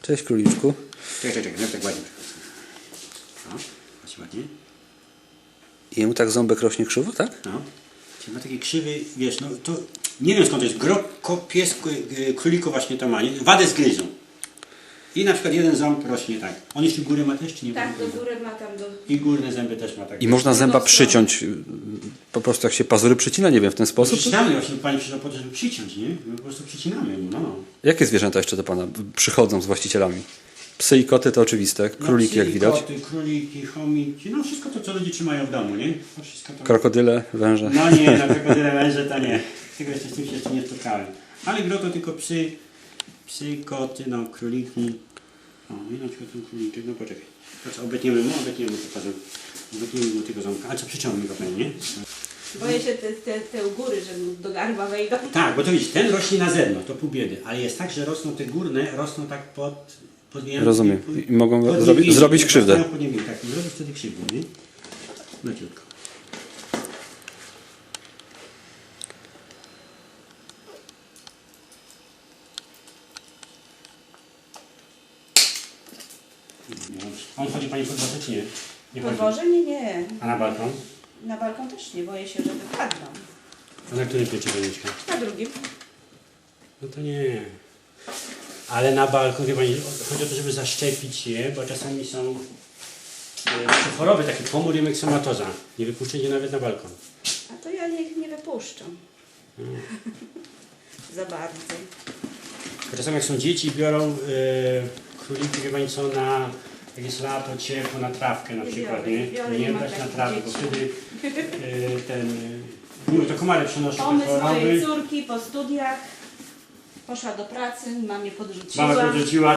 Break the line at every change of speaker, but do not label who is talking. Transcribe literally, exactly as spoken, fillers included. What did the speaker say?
Cześć króliczku.
Czekaj, czekaj, czekaj, tak ładnie. O, patrz ładnie.
I jemu tak ząbek rośnie krzywo, tak?
No. Czyli ma taki krzywy, wiesz, no to nie wiem skąd to jest. Grobko, pies, króliku właśnie to ma, nie? Wadę zgryzą. I na przykład jeden ząb rośnie tak. On jeszcze górę ma też, czy nie?
Tak, do góry ma tam do...
I górne zęby też ma tak.
I można zęba przyciąć, po prostu jak się pazury przycina, nie wiem, w ten sposób?
Przycinamy właśnie, pani przyszła po to, żeby przyciąć, nie? My po prostu przycinamy mu, no, no.
Jakie zwierzęta jeszcze do Pana przychodzą z właścicielami? Psy i koty to oczywiste, króliki
No,
jak widać.
Koty, króliki, chomiki, no wszystko to, co ludzie trzymają w domu, nie? To wszystko to...
Krokodyle, węże.
No nie, na krokodyle węże to nie. Tego jeszcze z tym się jeszcze nie spotkałem. Ale gro to tylko psy, psy, koty, no, króliki. O, i na przykład ten króliczek, no poczekaj. To co, obetniemy mu, obetniemy mu to pazur. Obetniemy mu tego ząbka. A co, przyciągnij go pewnie, nie?
Boję się te, te, te u góry, że mu do gardła wejdą.
Tak, bo to widzisz, ten rośnie na zewnątrz, to pół biedy. Ale jest tak, że rosną te górne, rosną tak pod... pod
Rozumiem. I mogą
pod
zrobi
niewięzi,
zrobić
tak,
krzywdę.
pod niewięzi, tak, i zrobić wtedy krzywdę, nie? Leciutko. On chodzi pani pod dworze, czy nie? Nie chodzi.
Podwoże? Nie, nie.
A na balkon?
Na balkon też nie, boję się, że wypadną.
A na którym piętrze będzie mieszkać?
Na drugim.
No to nie. Ale na balkon, wie pani, chodzi o to, żeby zaszczepić je, bo czasami są e, choroby, taki pomór i myksomatoza. Nie wypuszczać je nawet na balkon.
A to ja ich nie wypuszczam.
Hmm.
Za bardzo.
Bo czasami jak są dzieci, biorą e, króliki, wie pani co, na, jak jest lato, ciepło, na trawkę na
Nie
przykład,
biorę,
nie?
biorę,
nie
nie mam
brać na
takich
trawę, bo
dzieci.
wtedy e, ten, e, mówię, to komary przynoszą te
Pomysł mojej
choroby.
córki po studiach. Poszła do pracy, mamie podrzuciła.
Mama podrzuciła.